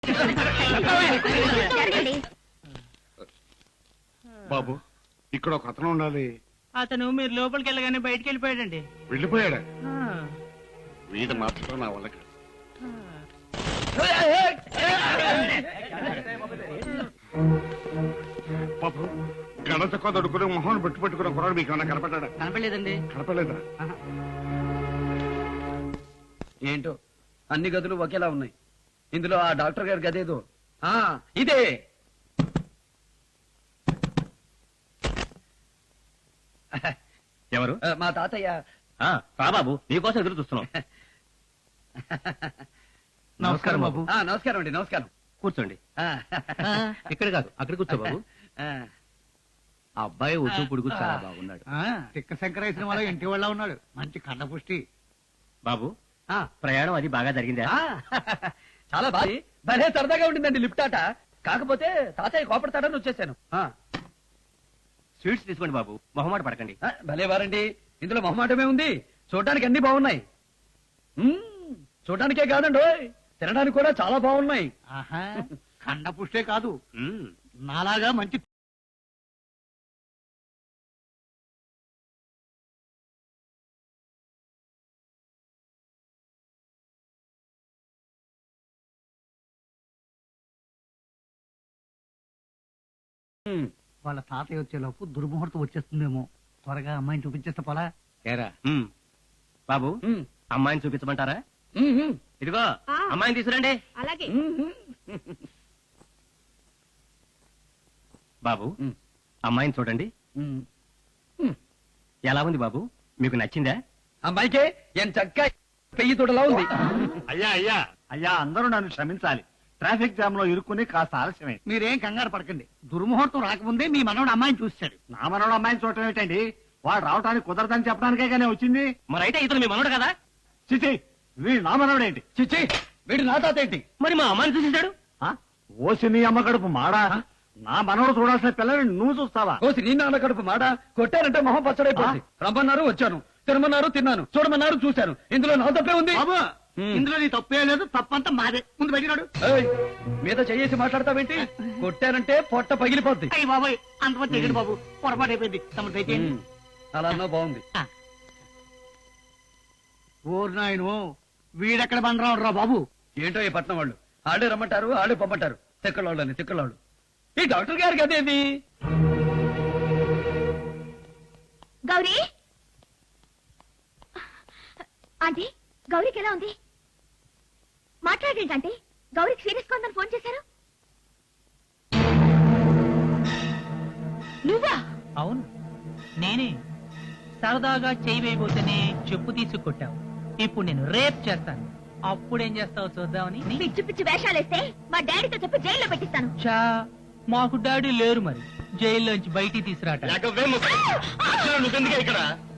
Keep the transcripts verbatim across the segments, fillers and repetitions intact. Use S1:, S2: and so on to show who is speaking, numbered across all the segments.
S1: బాబు ఇక్కడ ఒక అతను ఉండాలి.
S2: అతను మీరు లోపలికి వెళ్ళగానే బయటికి వెళ్ళిపోయాడండి.
S1: వెళ్ళిపోయాడా? వీడు మార్చడం నా వల్ల కాదు. బాబు గణత కొదడుకుని మొహం పెట్టి పెట్టుకున్న కుర్రాడు మీకు ఏమన్నా కనపడ్డా?
S2: కనపడలేదండి.
S1: కనపడలేదా?
S3: ఏంటో అన్ని గదులు ఒకేలా ఉన్నాయి. ఇందులో ఆ డాక్టర్ గారి గదేదో ఆ ఇదే.
S4: ఎవరు?
S3: మా తాతయ్య.
S4: బాబు నీకోసం ఎదురు చూస్తున్నాం.
S2: నమస్కారం బాబు.
S3: ఆ, నమస్కారం అండి. నమస్కారం.
S4: కూర్చోండి.
S3: ఆ,
S4: ఇక్కడ కాదు అక్కడ కూర్చో బాబు.
S3: ఆ,
S4: ఆ అబ్బాయి ఒడ్డు పొడుగు చాలా బాగున్నాడు.
S2: తిక్క శంకరేశ్వరం వల్ల ఇంటి వాళ్ళ ఉన్నాడు. మంచి కండపుష్టి.
S4: బాబు
S3: ఆ,
S4: ప్రయాణం అది బాగా జరిగిందా?
S3: ఆ, చాలా బాగా భలే సరదాగా ఉండిందండి లిఫ్ట్ ఆట. కాకపోతే తాతయ్య కోపడతాడని వచ్చేసాను. ఆ,
S4: స్వీట్స్ తీసుకోండి బాబు, మొహమాట పడకండి.
S3: ఆ, భలే వారండి. ఇందులో మొహమాటమే ఉంది. చూడటానికి అన్ని బాగున్నాయి. మ్మ్, చూడటానికే కాదండి ఓయ్, తినడానికి కూడా చాలా బాగున్నాయి.
S2: ఆహా, కండపుష్టే కాదు,
S4: మ్మ్.
S2: నాలాగా మంచి
S3: మ్మ్.
S2: వాళ్ళ తాతయ్య వచ్చేలోపు దుర్ముహూర్తం వచ్చేస్తుందేమో. త్వరగా అమ్మాయిని చూపించేస్తే పోలా.
S4: ఏరా? మ్మ్. బాబు
S3: మ్మ్.
S4: అమ్మాయిని చూపించమంటారా?
S3: మ్మ్, మ్మ్.
S4: ఇదిగో
S5: ఆ.
S4: అమ్మాయిని తీసుకురండి.
S5: అలాగే.
S3: మ్మ్.
S4: బాబు
S3: మ్మ్.
S4: అమ్మాయిని చూడండి.
S3: మ్మ్. మ్మ్.
S4: ఎలా ఉంది బాబు, మీకు నచ్చిందా?
S3: అమ్మాయికే ఎంత చక్క పెయ్యి తోటలా ఉంది.
S1: అయ్యా అయ్యా అయ్యా అందరూ నన్ను క్షమించాలి. ట్రాఫిక్ జామ్ లో ఇరుక్కుని కాస్త ఆలస్యమే.
S2: మీరేం కంగారు పడకండి. దుర్ముహూర్తం రాకముందే మీ మనవడు అమ్మాయిని చూస్తాడు.
S1: నా మనోడు అమ్మాయిని చూడటం ఏంటండి? వాడు రావటానికి కుదరదని చెప్పడానికే కానీ వచ్చింది.
S4: మరి అయితే ఇతను మీ మనోడు కదా?
S1: చిచి వీడు నా మనోడు ఏంటి?
S3: చిచ్చి వీడు నా తాత ఏంటి?
S4: మరి మా అమ్మాయిని చూసేశాడు.
S1: ఆ? ఓసి నీ అమ్మ కడుపు మాడా? నా మనోడు చూడాల్సిన పిల్లని నువ్వు చూస్తావా?
S3: కోసి నీ నాన్న కడుపు మాట కొట్టారంటే మొహం పచ్చడైపోయింది. రమ్మన్నారు వచ్చాను, తినమన్నారు తిన్నాను, చూడమన్నారు చూశాను. ఇందులో నా తప్పే ఉంది.
S2: బాబు,
S3: మ్మ్.
S2: ఇందులో నీ తప్పే లేదు. తప్పంతా మాదే. ముందు బయటిరాడు.
S3: ఏయ్, మీద చెయ్యేసి మాట్లాడతావేంటి? కొట్టారంటే పొట్ట పగిలిపోద్ది.
S2: అయ్యి బాబాయ్, అంతమంది తెగండి బాబు. పొరపాటు అయిపోయింది. తమ దయచేయండి.
S3: మ్మ్. అలా అన్నా బాగుంది.
S2: ఓరు నాయను, వీడెక్కడ బండరాడు రా బాబు.
S3: ఏంటో ఈ పట్నం వాళ్ళు ఆడే రమ్మంటారు, ఆడే పంపంటారు. తిక్కలోళ్ళు అని తిక్కలోళ్ళు. ఈ డాక్టర్ గారికి అదేంది?
S5: గౌరీ ఆంటీ, గౌరీకి ఎలా ఉంది? మాట్లాడేంటి ఆంటీ? గౌరీకి సీరియస్ గా ఉందని ఫోన్ చేశారు. నువ్వా?
S6: అవును, నేనే. సరదాగా చేయి వేయబోతేనే చెప్పు తీసుకొట్టావు. ఇప్పుడు నేను రేప్ చేస్తాను. అప్పుడేం చేస్తావు చూద్దామని.
S5: పిచ్చి పిచ్చి వేషాలేస్తే మా డాడీతో చెప్పి జైల్లో పెట్టిస్తాను.
S6: చా, మాకు డాడీ లేరు, మరి జైల్లోంచి బయటికి తీసుకురాట.
S4: నువ్వెందుకే ఇక్కడ?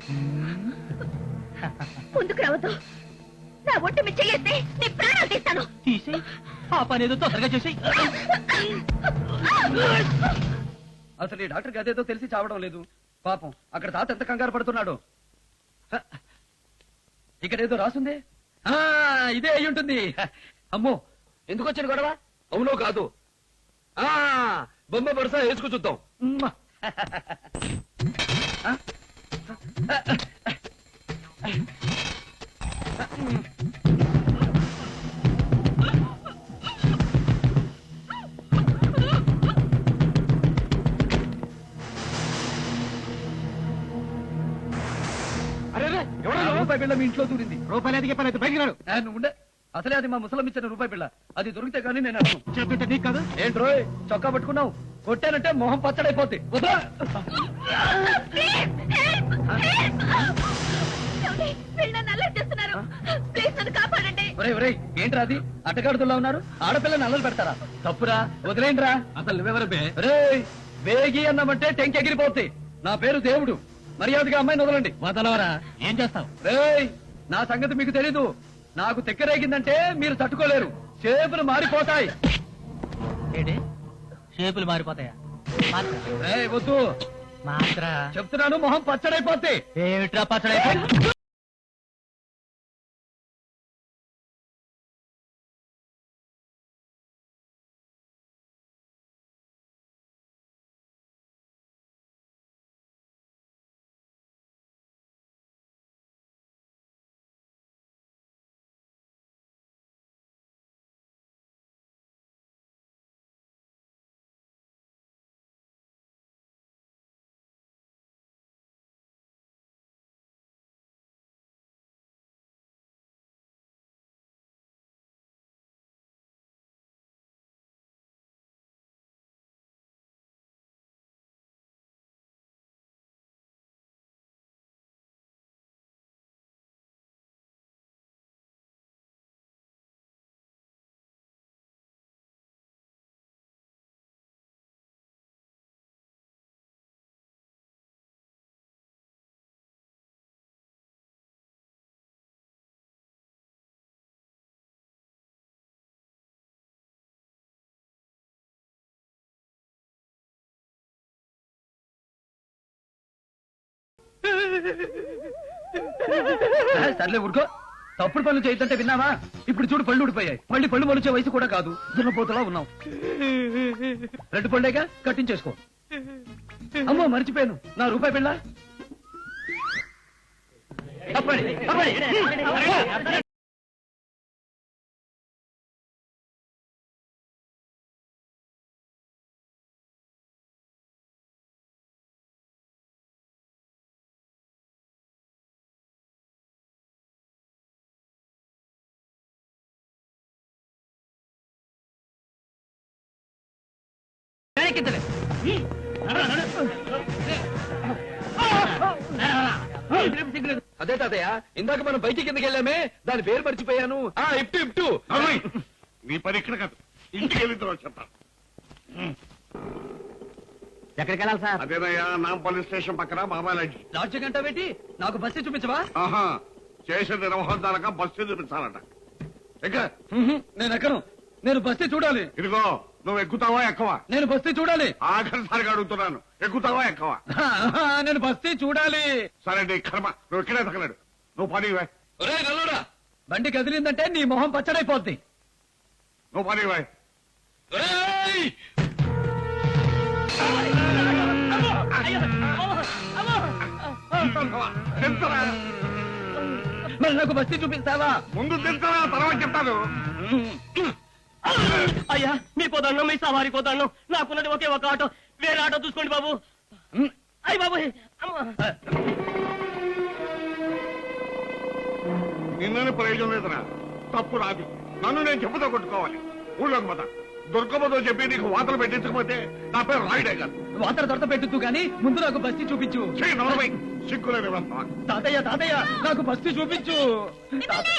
S5: ముందుకు రావద్దు. నా ఒట్టు మీద చెయ్యేస్తే నీ ప్రాణాలు తీస్తాను.
S6: తీసేయ్, ఆ పని ఏదో తొందరగా చేసేయ్.
S3: అసలు ఈ డాక్టర్ గదేదో తెలిసి చావడం లేదు. పాపం అక్కడ తాత ఎంత కంగారు పడుతున్నాడు. హ, ఇక్కడేదో రాసుంది. ఆ, ఇదే అయి ఉంటుంది. అమ్మో, ఎందుకు వచ్చిన గొడవ? అవునో కాదు. ఆ, బొమ్మ పరుస వేసుకు చూద్దాం. ఉమ్మ. ఆ?
S1: అరే రే, ఎవరు
S3: ఆ
S1: నువ్వు?
S3: రూపాయి బిళ్ళ మీ ఇంట్లో దూరింది.
S2: రూపాయలు ఎదిగే పని అయితే బయటికి రాడు.
S3: ఆ, నువ్వు ఉండే. అసలే అది మా ముసలం ఇచ్చిన రూపాయి బిళ్ళ. అది దొరికితే కానీ నేను అర్థం.
S2: చెప్పింటే నీకు కాదు.
S3: ఏంట్రోయ్ చొక్కా పట్టుకున్నావు? కొట్టానంటే మొహం పచ్చడైపోద్ది. వదరా.
S5: వీళ్ళు నన్ను అల్లరి చేస్తున్నారు. ప్లీజ్ నన్ను కాపాడండి.
S3: ఒరేయ్ ఒరేయ్, ఏంట్రా అది? అట్టగాడుతున్నా ఉన్నారు. ఆడపిల్లని అల్లలు పెడతారా? తప్పురా, వదిలేంట్రా.
S4: అసలు నువ్వెవరు బే?
S3: ఒరేయ్, వేగి అన్నామంటే టెంకెగిరిపోద్ది. నా పేరు దేవుడు. మర్యాదగా అమ్మాయిని వదలండి.
S6: వదలవరా, ఏం చేస్తావు?
S3: రేయ్, నా సంగతి మీకు తెలీదు. నాకు తెక్కరేగిందంటే మీరు తట్టుకోలేరు. చేతులు మారిపోతాయి.
S6: ఏంటి షేపులు మారిపోతాయా? మాత్ర
S3: రేయ్ వద్దు,
S6: మాత్ర
S3: చెప్తున్నాను, మొహం పచ్చడైపోద్ది.
S6: ఏమిట్రా పచ్చడైపోయి?
S3: ఆ, సర్లే ఊరుకో. తప్పుడు పనులు చేయొద్దంటే విన్నావా? ఇప్పుడు చూడు పళ్ళు ఊడిపోయాయి. మళ్ళీ పళ్ళు మొలిచే వయసు కూడా కాదు. దున్నపోతలా ఉన్నావు. రెండు పళ్ళేగా కట్టించేసుకో. అమ్మో మర్చిపోయాను, నా రూపాయి పిల్ల. అప్పడి, అప్పడి. వెనక్కిద్దలే. అదే తాతయ్య, ఇందాక మనం బయటికి కిందకి వెళ్ళామే, దాని పేరు మర్చిపోయాను. ఆ ఇప్టు ఇప్టు.
S1: అమ్మాయి, నీ పని ఇక్కడ కాదు, ఇంటికి వెళ్ళిన తర్వాత చెప్తాను.
S4: ఎక్కడికి వెళ్ళాలి సార్?
S1: అదేనయ్యా, నాంపల్లి స్టేషన్ పక్కన బాబాలాజీ.
S3: లాడ్జి గంట పెట్టి నాకు బస్సు చూపించవా?
S1: ఆహా, చేసిన నిర్వహణాలక బస్సు చూపించాలట. ఎక్క
S3: ఉహు, నేను ఎక్కను. నేను బస్తీ చూడాలి.
S1: ఇదిగో, నువ్వు ఎక్కుతావా ఎక్కవా?
S3: నేను బస్తీ చూడాలి.
S1: ఆఖరిసారిగా అడుగుతున్నాను, ఎక్కుతావా ఎక్కవా?
S3: ఆహా, నేను బస్తీ చూడాలి.
S1: సరే నీ కర్మ, నువ్వు ఇక్కడే తగలడు. నువ్వు పని ఇవ్వ.
S3: ఒరేయ్ నల్లుడా, బండి కదిలిందంటే నీ మొహం పచ్చడైపోద్ది.
S1: నువ్వు పని ఇవ్వ.
S3: ఒరేయ్!
S1: తింటరా?
S3: మరి నాకు బస్తీ చూపిస్తావా?
S1: ముందు తింటరా, తర్వాత చెప్తాను.
S4: అయ్యా మీ పోతాను, మీ సవారి పోతాను. నాకున్నది ఒకే ఒక ఆటో, వేరే ఆటో చూసుకోండి బాబు. అయ్య బాబు,
S1: నిన్ననే ప్రయోజనం లేదురా. తప్పు రాదు, నన్ను నేను చెప్పుతో కొట్టుకోవాలి. ఊళ్ళోకి పోతా. దుర్గమ్మతో చెప్పి నీకు వాతలు పెట్టించకపోతే నా పేరు రాయుడే కాదు.
S3: వాతర దొరత పెట్టుతూ గాని ముందు నాకు బస్తీ చూపించు.
S1: చెయ్యి నలభై సిక్కులేని వస్తావా?
S3: తాతయ్య తాతయ్య, నాకు బస్తీ చూపించు.
S5: మిమ్మల్ని!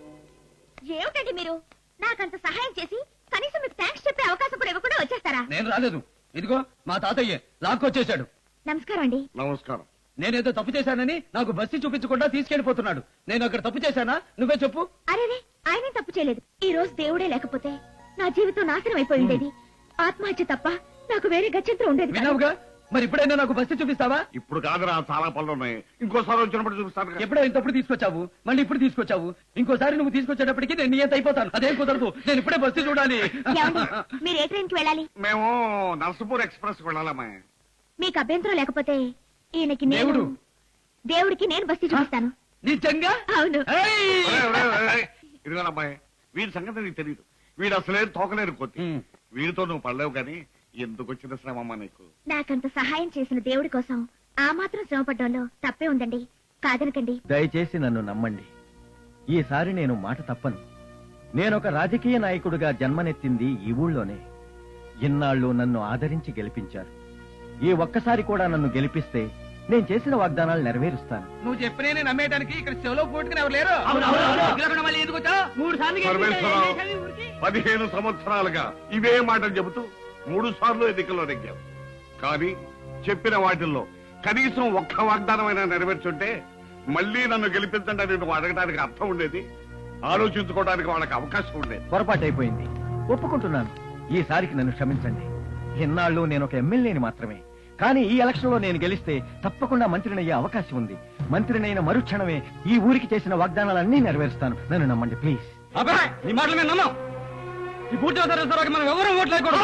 S5: ఏమిటండి మీరు నాకంత సహాయం చేసి కనీసం మీకు థ్యాంక్స్ చెప్పే అవకాశం కూడా ఇవ్వకుండా వచ్చేస్తారా?
S3: నేను రాలేదు. ఇదిగో మా తాతయ్య లాక్కొచ్చేశాడు.
S5: నమస్కారం అండి.
S1: నమస్కారం.
S3: నేనేదో తప్పు చేశానని నాకు బస్తీ చూపించకుండా తీసుకెళ్లిపోతున్నాడు. నేను అక్కడ తప్పు చేశానా? నువ్వే చెప్పు.
S5: అరేరే, ఆయనే తప్పు చేయలేదు. ఈ రోజు దేవుడే లేకపోతే నా జీవితం నాశనం అయిపోయి ఉండేది. ఆత్మహత్య తప్ప నాకు వేరే గత్యంతరం ఉండేది కాదు.
S3: విన్నావుగా, మరి ఇప్పుడైనా నాకు బస్తీ చూపిస్తావా?
S1: ఇప్పుడు కాదురా, చాలా పనులు ఉన్నాయి. ఇంకోసారి వచ్చినప్పుడు చూపిస్తాను.
S3: ఎప్పుడో ఇంతప్పుడు తీసుకొచ్చావు, మళ్ళీ ఇప్పుడు తీసుకొచ్చావు. ఇంకోసారి నువ్వు తీసుకొచ్చేటప్పటికి నేను నియంత అయిపోతాను. అదేం కుదరదు. నేను ఇప్పుడే బస్తీ చూడాలి.
S5: ఏమండి, మీరు ఏ ట్రైన్ కి వెళ్ళాలి?
S1: మేము నర్సపూర్ ఎక్స్ప్రెస్ వెళ్ళాలమ్మా.
S5: మీకు అభ్యంతరం లేకపోతే ఈయనకి నేను
S3: దేవుడు.
S5: దేవుడికి నేను బస్తీ చూపిస్తాను.
S3: నిజంగా?
S5: అవును.
S3: ఏయ్!
S1: ఇదిగోనమ్మాయి, వీడి సంగతి నీకు తెలియదు. వీడు అసలే తోకలేరు కొద్ది.
S3: ఉమ్.
S1: వీడితో నువ్వు పడలేవు కానీ ఎందుకు వచ్చిన శ్రమమ్మా నీకు?
S5: నాకంత సహాయం చేసిన దేవుడి కోసం ఆ మాత్రం శ్రమపడ్డంలో తప్పే ఉందండి. కాదనకండి.
S7: దయచేసి నన్ను నమ్మండి. ఈసారి నేను మాట తప్పను. నేనొక రాజకీయ నాయకుడిగా జన్మనెత్తింది ఈ ఊళ్ళోనే. ఇన్నాళ్ళు నన్ను ఆదరించి గెలిపించారు. ఈ ఒక్కసారి కూడా నన్ను గెలిపిస్తే నేను చేసిన వాగ్దానాలు నెరవేరుస్తాను.
S3: నువ్వు చెప్పినే నమ్మేయడానికి ఇక్కడ చెవులో పోటుకుని ఎవరు లేరు. మళ్ళీ ఎందుకు వచ్చావు?
S6: మూడు సార్లు
S1: పరమేశ్వరరావు, పదిహేను సంవత్సరాలుగా ఇవే మాటలు చెబుతూ మూడు సార్లు ఎన్నికల్లో నెగ్గావు. కానీ చెప్పిన వాటిల్లో కనీసం ఒక్క వాగ్దానమైనా నెరవేర్చుంటే మళ్ళీ నన్ను గెలిపించండి అని నువ్వు అడగడానికి అర్థం ఉండేది, ఆలోచించుకోవడానికి వాళ్ళకి అవకాశం ఉండేది.
S7: పొరపాటైపోయింది, ఒప్పుకుంటున్నాను. ఈసారికి నన్ను క్షమించండి. ఇన్నాళ్ళు నేను ఒక ఎమ్మెల్యేని మాత్రమే. కానీ ఈ ఎలక్షన్ లో నేను గెలిస్తే తప్పకుండా మంత్రినయ్యే అవకాశం ఉంది. మంత్రినైన మరుక్షణమే ఈ ఊరికి చేసిన వాగ్దానాలన్నీ నెరవేరుస్తాను. నన్ను నమ్మండి ప్లీజ్.
S3: అబ్బాయి, నీ మాటలు మేము నమ్మం. ఈ పూర్తి అవసరం మనం ఎవరూ ఓట్లేకూడదు.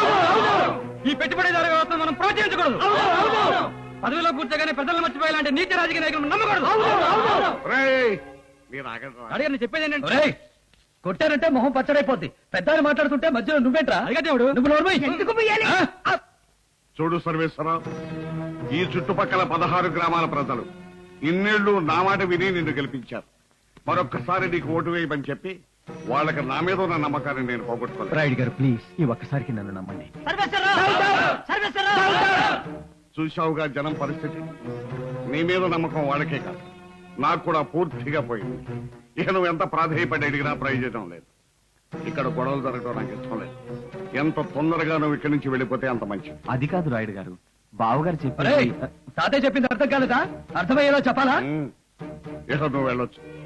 S3: ఈ పెట్టుబడిదారు వ్యవస్థ మనం ప్రోత్సహించకూడదు. పదవిలో కూర్చోగానే ప్రజలు మర్చిపోయేలాంటి నీతి రాజకీయ నాయకులు నమ్మకూడదు.
S1: రేయ్, మీరు ఆగండి.
S3: అడిగారు చెప్పేది ఏంటంటే, కొట్టారంటే మొహం పచ్చడైపోద్ది. పెద్దాన్ని మాట్లాడుతుంటే మధ్యలో నువ్వేంట్రా? దేవుడు నువ్వు నోరు మూయి. ఎందుకు మూయాలి? ఆ?
S1: చూడు సర్వేశ్వరరావు, ఈ చుట్టుపక్కల పదహారు గ్రామాల ప్రజలు ఇన్నేళ్లు నా మాట విని నిన్ను గెలిపించారు. మరొక్కసారి నీకు ఓటు వేయమని చెప్పి వాళ్ళకి నా మీద ఉన్న నమ్మకాన్ని నేను పోగొట్టుకోలేదు.
S7: రాయుడు గారు ప్లీజ్ ఈ ఒక్కసారికి నన్ను నమ్మండి.
S1: చూశావుగా జనం పరిస్థితి. నీ మీద నమ్మకం వాళ్ళకే కాదు, నాకు కూడా పూర్తిగా పోయింది. ఇక నువ్వు ఎంత ప్రాధేయపడి అడిగినా ప్రయోజనం లేదు. ఇక్కడ గొడవలు జరగడం నాకు ఇష్టం లేదు. ఎంత తొందరగా నువ్వు ఇక్కడి నుంచి వెళ్ళిపోతే అంత మంచిది.
S7: అది కాదు రాయుడు గారు, బావగారు
S3: ఒరేయ్,
S7: చెప్పి
S3: తాతయ్య చెప్పింది అర్థం కాలేదా? అర్థమయ్యేలా చెప్పాలా?
S1: ఉమ్. ఇక నువ్వు వెళ్ళొచ్చు.